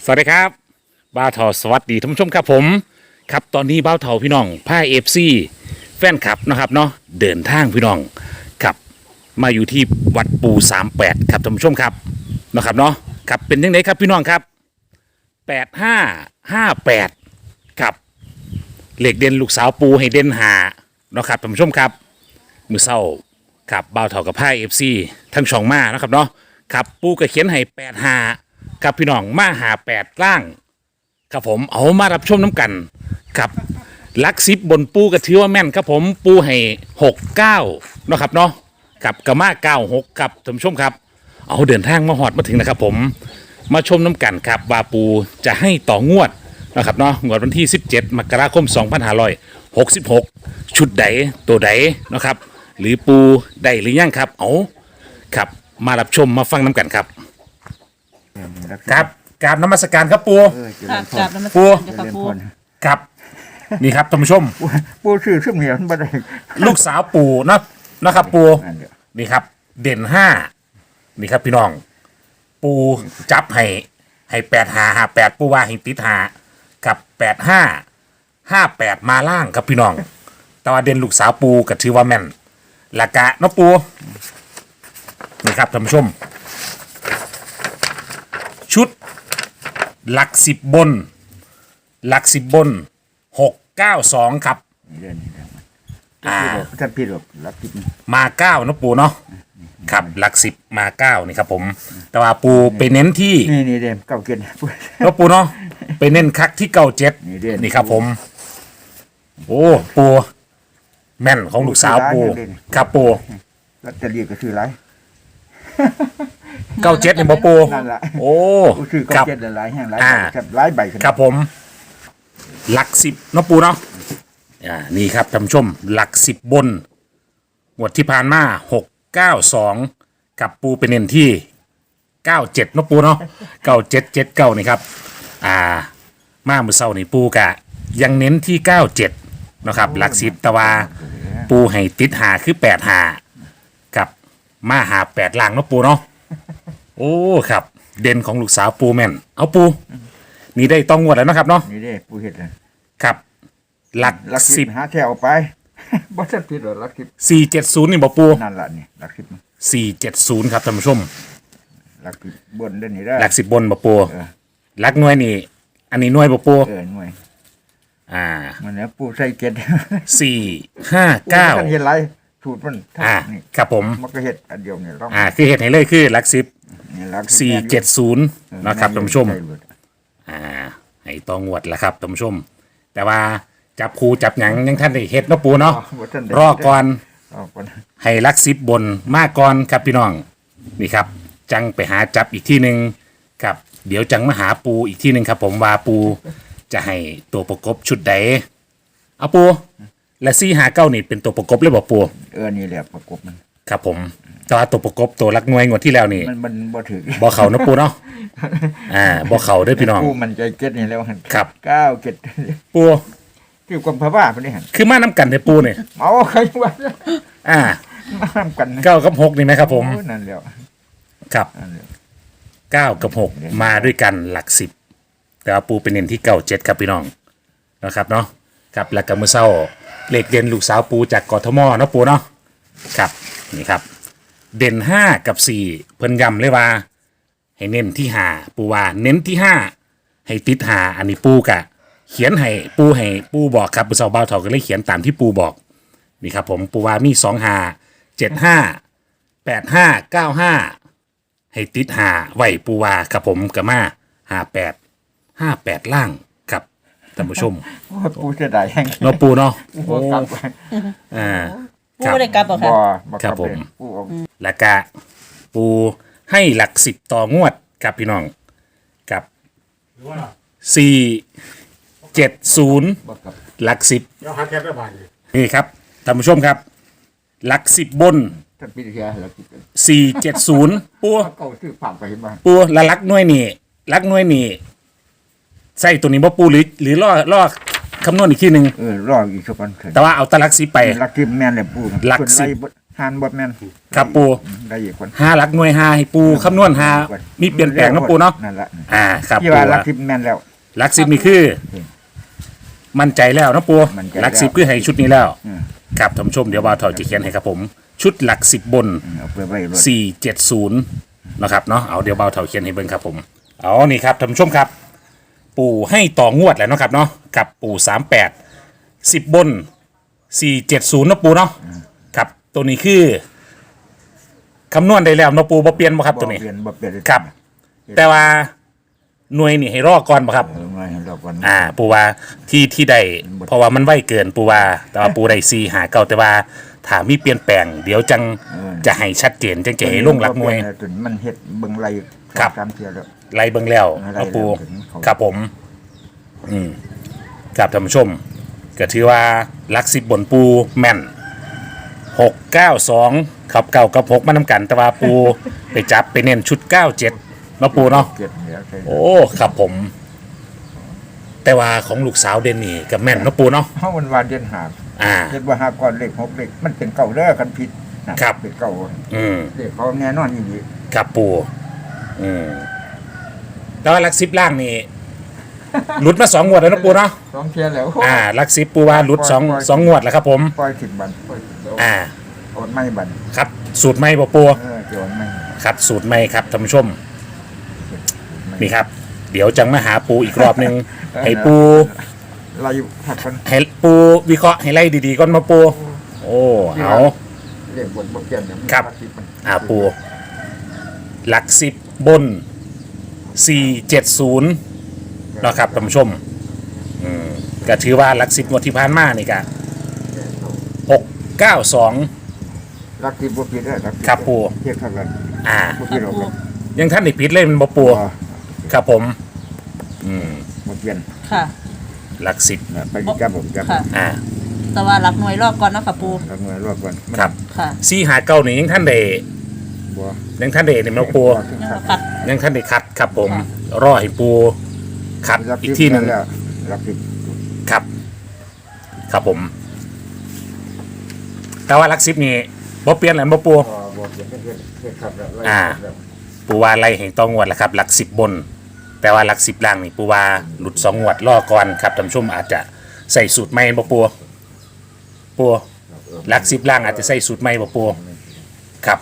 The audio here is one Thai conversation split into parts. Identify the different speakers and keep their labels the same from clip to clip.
Speaker 1: สวัสดีครับบ้าวเถาสวัสดีท่านผู้ชมครับผมครับตอนนี้บ้าวเถาพี่น้องผ้าเอฟซีแฟนคลับนะครับเนาะเดินทางพี่น้องครับมาอยู่ที่วัดปู38ครับท่านผู้ชมครับนะครับเนาะครับเป็นยังไงครับพี่น้องครับ8558ครับเหล็กเด่นลูกสาวปูให้เด่นหาเนาะครับท่านผู้ชมครับมือเศร้าครับบ้าวเถากับผ้าเอฟซีทั้งช่องมานะครับเนาะครับปูก็เขียนให้85ครับพี่น้องมาหา8ล่าง ครับผมเอามารับชมน้ำกันครับลักซิบบนปูกระถือว่าแม่นครับผมปูให้69เนาะครับเนาะกับกระมา96ครับท่านผู้ชมครับเอาเดินทางมาหอดมาถึงนะครับผมมาชมน้ำกันครับว่าปูจะให้ต่องวดนะครับเนาะงวดวันที่17มกราคม2566ชุดใดตัวใดนะครับหรือปูใดหรือยังครับเอาครับมารับชมมาฟังน้ำกันครับครับกราบนมัสการครับปู
Speaker 2: เจริญพร
Speaker 1: ปู
Speaker 2: เจริญพร
Speaker 1: ครับนี่ครับท่านผู้ชม
Speaker 2: ปูชื่อเหนียวมันบ่ได้
Speaker 1: ลูกสาวปู่นะครับปู่
Speaker 2: นั่นเดียว
Speaker 1: นี่ครับ เด่น5นี่ครับพี่น้อง ปู่จับให้8558ปู่ว่าให้ติดหากับ8558มาล่างครับพี่น้องแต่ว่าเด่นลูกสาวปู่ก็ถือว่าแม่นละกะเนาะปู่นี่ครับท่านผู้ชม ชุดหลัก10บนหลัก10บน692ครับ
Speaker 2: เดือนนี้แล้วท่านพี่หรอกรับกิน
Speaker 1: มา9นะปูเนาะครับหลัก10มา9นี่ครับผมแต่ว่าปูไปเน้นที่
Speaker 2: นี่เดมเก้าเกียนปู
Speaker 1: แล้วปูเนาะไปเน้นคักที่97
Speaker 2: นี่เด่น
Speaker 1: นี่ครับผม โอ้ปูแม่นของลูกสาวปูครับปู
Speaker 2: ลอตเตอรี่ก็ซื้อหลาย
Speaker 1: 97นี่บ่ปู
Speaker 2: นั่นล่ะ
Speaker 1: โอ้
Speaker 2: ปูซื้อ
Speaker 1: ครั
Speaker 2: เก้า
Speaker 1: บ
Speaker 2: เกียนหลายแห่งหลาย
Speaker 1: อ่า
Speaker 2: ครับหลายใบขึ้น
Speaker 1: ครับผม หลัก10เนาะปูเนาะนี่ครับท่านผู้ชมหลัก10บนงวดที่ผ่านมา692กับปูไปเน้นที่97เนาะปูเนาะ9779นี่ครับมามื้อเช้านี่ปูกะยังเน้นที่97เนาะครับหลัก10แต่ว่าปูให้ติดหาคือ85กับมาหา8ล่างเนาะปูเนาะโอ้ครับ เด่นของลูกสาวปูแม่นเอาปูนี่ได้ต้องงวดแล้วเนาะครับเนาะ
Speaker 2: นี่เด้ปูเฮ็ดเลย
Speaker 1: ครับหลัก
Speaker 2: ลักสิบหาแถวไปบ่ทันผิดหรอกลักสิบ
Speaker 1: 10 470นี่บ่ปู
Speaker 2: นั่นล่ะนี่ลักสิบ
Speaker 1: 470ครับท่านผู้ชม
Speaker 2: ลักสิบบนเด้อนี่เด้อ
Speaker 1: หลัก10บนบ่ปู
Speaker 2: เออ
Speaker 1: หลักหน่วยนี่ อันนี้หน่วยบ่ปู
Speaker 2: หน่วย
Speaker 1: อ่า
Speaker 2: มันเนี่ยปูใส่เกียน
Speaker 1: 459
Speaker 2: ท่านเฮ็ดหลายสูตรมัน นี่
Speaker 1: ครับผม
Speaker 2: มันก็เฮ็ดอันเดียวนี่ต้อง
Speaker 1: คือเฮ็ดให้เลยคือหลัก10
Speaker 2: นี่ลัก
Speaker 1: 470นะครับท่านผู้ชม
Speaker 2: ใหลุด
Speaker 1: ให้ต้องงวดแล้วครับท่านผู้ชม แต่ว่าจับคูจับหยังยังท่านได้เฮ็ดเนาะปูเนาะ
Speaker 2: บ่ทันได้
Speaker 1: รอก่อน
Speaker 2: รอก่อน
Speaker 1: ให้หลัก10บนมาก่อนครับพี่น้องนี่ครับ จังไปหาจับอีกที่หนึ่งครับ เดี๋ยวจังมาหาปูอีกที่หนึ่งครับ ผมว่าปูจะให้ตัวประกบชุดใดเอาปูและ459นี่เป็นตัวประกบเลยบอกปู
Speaker 2: นี่แหละประกบมัน
Speaker 1: ครับผมแต่ว่าตัวประกบตัวรักหน่วยงวดที่แล้วนี่
Speaker 2: มันบ่ถึง
Speaker 1: บ่เขานะปูเนาะบ่เขาเด้วยพี่น้อง
Speaker 2: ปูมันใจเก็ดนี่แล้วหั่น
Speaker 1: ครับ
Speaker 2: ก้าวเก็ด
Speaker 1: ปู
Speaker 2: คือความพะว่าพุ่นนี่หั่น
Speaker 1: คือมาน้ำกันในปูเนี่ย
Speaker 2: เอาใครว่า
Speaker 1: อ่า
Speaker 2: มาทำกันนะ
Speaker 1: 9กับ6นี่ไหมครับผม
Speaker 2: โอ้นั่นแล้ว
Speaker 1: ครับ
Speaker 2: นั่นแล้ว
Speaker 1: 9กับ6มาด้วยกันหลัก10แต่ว่าปูเป็นเน้นที่97ครับพี่น้องนะครับเนาะครับแล้วก็มื้อเช้าเลขเด่นลูกสาวปูจากกทมเนาะปูเนาะครับนี่ครับ เด่น5กับ4เพิ่นย้ำเลยว่า ให้เน้นที่5ปูว่าเน้นที่5ให้ติด5อันนี้ปูกะ เขียนให้ปูบอกครับมื้อเช้าบ่าวเฒ่าก็เลยเขียนตามที่ปูบอกนี่ครับผมปูว่ามี25 75 85 95ให้ติด5ไว้ปูว่าครับผมก็มา58 ล่างครับท่านผู้ชม
Speaker 2: โอ้ปูจะได้แห้ง
Speaker 1: เนาะปูเนาะ
Speaker 2: ปูกลับ
Speaker 1: อ่า
Speaker 3: ปูไม่ได้กลับหรอก
Speaker 2: บ่
Speaker 3: ค่ะ
Speaker 2: บ่ก
Speaker 1: ครั
Speaker 2: ลั
Speaker 1: บบ ผม
Speaker 2: เลยปูเอา
Speaker 1: แล้วก็ปูให้หลัก10ต่องวดครับพี่น้องกับ470
Speaker 2: บ่กลับ
Speaker 1: หลัก10นี่ครับท่านผู้ชมครับหลัก10บน
Speaker 2: ท่านพี่เสียแล้วคิดกัน
Speaker 1: 470ปู
Speaker 2: เก่าซื้อผักไปเห็นบ่
Speaker 1: ปูและลักหน่วยนี่ใส่ตัวนี้บ่ปูหรือล่อคำนวณอีกทีหนึ่ง
Speaker 2: รออีกสักวันเถอะ
Speaker 1: แต่ว่าเอาแตะลัก10ไป
Speaker 2: ลักทิมแม่นเลยปู
Speaker 1: หลัก
Speaker 2: เพิ่น
Speaker 1: สิบ
Speaker 2: ไล่หานบ่แม่น
Speaker 1: ครับปู
Speaker 2: ได้อีกคน
Speaker 1: หาหลักหน่วยหาให้ปูคำนวณหามีเปลี่ยนแปลงเนาะปูเนาะ
Speaker 2: นั่นแหละ
Speaker 1: ครับ
Speaker 2: ที่
Speaker 1: ปู
Speaker 2: ว่าลักทิพย์แม่นแล้ว
Speaker 1: หลักสิบนี่คือ มั่นใจแล้วเนาะปู
Speaker 2: มั่นใจ
Speaker 1: หลักสิบคือให้ชุดนี้แล้ว
Speaker 2: อืม
Speaker 1: ครับท่านผู้ชมเดี๋ยวบ่าวเฒ่าจะเขียนให้ครับผม ชุดหลักสิบบน
Speaker 2: เอาไปไว้รถ
Speaker 1: 470นะครับเนาะเอาเดี๋ยวเบาเถาเขียนให้เบิ่งครับผมเอานี่ครับท่านผู้ชมครับ ปู่ให้ต่องวดแล้วเนาะครับเนาะกับปู่38 10บน470เนาะปู่เนาะครับตัวนี้คือคำนวณได้แล้วเนาะปู่บ่เปลี่ยนบ่ครับตัวนี้
Speaker 2: บ่เปลี่ยนบ่เปลี่ยน
Speaker 1: ครับ แต่ว่าหน่วยนี่ให้รอก่อนบ่ครับ
Speaker 2: เอาไว้ให้เราก่อน
Speaker 1: ปู่ว่าที่ได้เพราะว่ามันไวเกินปู่ว่าแต่ว่าปู่ได้4หาเก่าแต่ว่าถ้ามีเปลี่ยนแปลงเดี๋ยวจังจะให้ชัดเจนจังจะให้ลงหลักหน่วย
Speaker 2: จนมันเฮ็ดเบิ่งไร
Speaker 1: ครับ
Speaker 2: ตามเที่ยวแล้ว
Speaker 1: ไล่เบิ่งแล้ว
Speaker 2: ไล่
Speaker 1: เนาะปู
Speaker 2: แล้วถึงเขา
Speaker 1: ครับผมครับท่านผู้ชมก็ถือว่าลักสิบบนปูแม่น692ครับเก่ากับ6มานำกัน แต่ว่าปู ไปจับไปเน้นชุด97เนาะปูเนาะ
Speaker 2: เก็บเดี๋ยวใส่
Speaker 1: โอ้ครับผม แต่ว่าของลูกสาวเดนนี่กับแม่นเนาะปูเนาะ
Speaker 2: เฮามันว่าเดือนหา
Speaker 1: อ่า
Speaker 2: เฮ็ดว่าหาก่อนเลข6เลขมันเป็นเก่าเด้อคันผิดนะครับ เป็นเก่า
Speaker 1: อืม
Speaker 2: เลขเขาแน่นอนอยู่ดี
Speaker 1: ครับปูแต่ว่าลักสิบล่างนี่ หลุดมา2งวดแล้วเนาะปูเนาะ
Speaker 2: สองเที่ยแล้ว
Speaker 1: ลักสิบปูว่าหลุดสองงวดแล้วครับผม
Speaker 2: ปล่อยถึงบันปล่อยถึงเอา
Speaker 1: อ่า
Speaker 2: อดไม่บัน
Speaker 1: ครับสูตรไม่บ่ปู
Speaker 2: เกี่ยวไม่
Speaker 1: ครับสูตรไม่ครับท่านผู้ชมนี่ครับ เดี๋ยวจังมาหาปูอีกรอบหนึง ให้ปู
Speaker 2: เราอยู่ผัดกัน
Speaker 1: ให้ปูวิเคราะห์ให้ไล่ดีๆก่อนมาปู โอ้เอา
Speaker 2: เรียกบนบ่เปลี่ยนเนี่ยมัน
Speaker 1: ครับ
Speaker 2: ลักทิพย์มัน
Speaker 1: ปูหลักสิบบน470นะครับท่านผู้ชมก็ถือว่าหลักสิบงวดที่ผ่านมานี่ก็692
Speaker 2: ลักทิพย์บ่ผิดเด้อลักทิพย์
Speaker 1: ครับปู่
Speaker 2: เทียบเท่ากัน
Speaker 1: อ่า
Speaker 2: บ่ผิดหรอกครับ
Speaker 1: ยังท่านได้ผิดเลยมันบ่ปูครับผม
Speaker 2: บ่เปลี่ยน
Speaker 3: ค่ะ
Speaker 1: หลักสิบ
Speaker 2: นะไปจับผมจับ
Speaker 3: ค่ะ
Speaker 1: อ่า
Speaker 3: แต่ว่ารักหน่วยรอบก่อนเนาะค่ะปู
Speaker 2: ลักหน่วยรอบก่อน
Speaker 1: ครับ
Speaker 3: ค่ะ
Speaker 1: 459นี่ยังท่านได้
Speaker 2: บ่
Speaker 1: ยังท่านได้นี่มันปู
Speaker 2: ถึง
Speaker 3: ยัง
Speaker 2: ขัด
Speaker 3: ปัด
Speaker 1: ยังท่านได้คัดครับผม รอให้ปูคัด
Speaker 2: ลัก
Speaker 1: อี
Speaker 2: ทิ
Speaker 1: ก
Speaker 2: พย์
Speaker 1: ที่หนึ่ง
Speaker 2: แล้วลักทิพย์
Speaker 1: ครับ ครับผม แต่ว่าหลักสิบนี่บ่เปลี่ยนแหละบ่ปู
Speaker 2: บ่เปลี่ยนเทียบครับแล้วไล่
Speaker 1: อ่า
Speaker 2: แล้ว
Speaker 1: ปูว่าไล่ให้ต้องงวดแหละครับ หลักสิบบน แต่ว่าหลักสิบล่างนี่ปูว่าหลุด2งวดรอก่อนครับท่านผู้ชมอาจจะใส่สูตรใหม่บ่ปูปูหลักสิบล่างอาจจะใส่สูตรใหม่บ่ปูครับ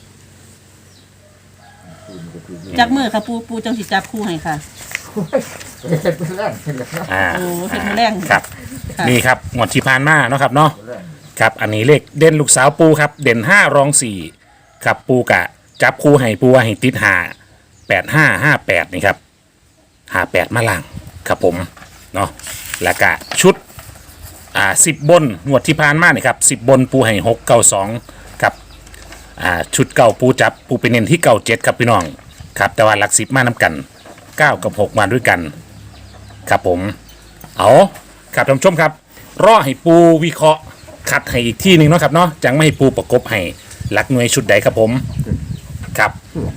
Speaker 3: จับมือค่ะปูจังสิจับคู่ให้ค่ะ
Speaker 2: เฮ็ดเป็นแรงเฮ็ดแล้ว
Speaker 1: อ่า
Speaker 3: โอ้เฮ็ดมือแรง
Speaker 1: ครับ
Speaker 3: ค่ะ
Speaker 1: นี่ครับงวดที่ผ่านมาเนาะครับเนาะ ครับอันนี้เลขเด่นลูกสาวปูครับ เด่น5รอง4ครับปูกะจับคู่ให้ปูว่าให้ติด5 85 58นี่ครับ58มาล่างครับผมเนาะแล้วก็ชุด10บนงวดที่ผ่านมานี่ครับ10บนปูให้692ครับชุดเก่าปูจับปูไปเน้นที่เก่า7ครับพี่น้องครับแต่ว่าหลัก10มาน้ำกัน9กับ6มาด้วยกันครับผมเอาครับท่านผู้ชมครับรอให้ปูวิเคราะห์คัดให้อีกที่หนึ่งเนาะครับเนาะจังไม่ให้ปูประกบให้หลักหน่วยชุดใดครับผมครับ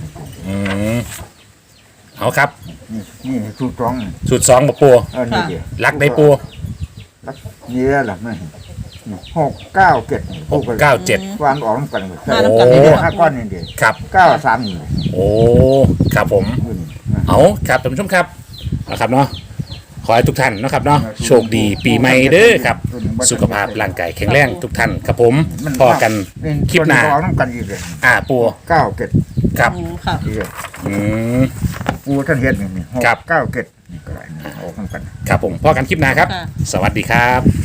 Speaker 1: เอาครับ
Speaker 2: นี่สูตรตรอง
Speaker 1: สูตร2บ่ปู
Speaker 2: นี่ดิ
Speaker 1: หลักใดปู
Speaker 2: ลักนี่แหละหลักมัน697
Speaker 1: 697
Speaker 2: วางออกนำกันหมด
Speaker 3: มาน้ำกัน
Speaker 1: โอ้
Speaker 3: เลย
Speaker 2: ห้า
Speaker 3: ค่ะ
Speaker 2: ก้อนนี่เด้
Speaker 1: ครับ
Speaker 2: 93นี่
Speaker 1: โอ้ครับผม เอาครับท่านผู้ชมครับนะครับเนาะขอให้ทุกท่านนะครับเนาะโชคดีปีใหม่เด้อครับ สุขภาพร่างกายแข็งแรงทุกท่านครับผมพอกันคลิปหน้า
Speaker 2: ออกนำกันอีกเลย
Speaker 1: ปู
Speaker 2: 97
Speaker 1: ครับ
Speaker 3: โอ้ค่ะ
Speaker 2: นี่
Speaker 1: อืม
Speaker 2: ปูท่านเฮ็ดนี่
Speaker 1: ครับ
Speaker 2: 697นี่ก็ได้ออกนำกัน
Speaker 1: ครับผมพอกันคลิปหน้าครับ
Speaker 3: ค่ะ
Speaker 1: สวัสดีครับ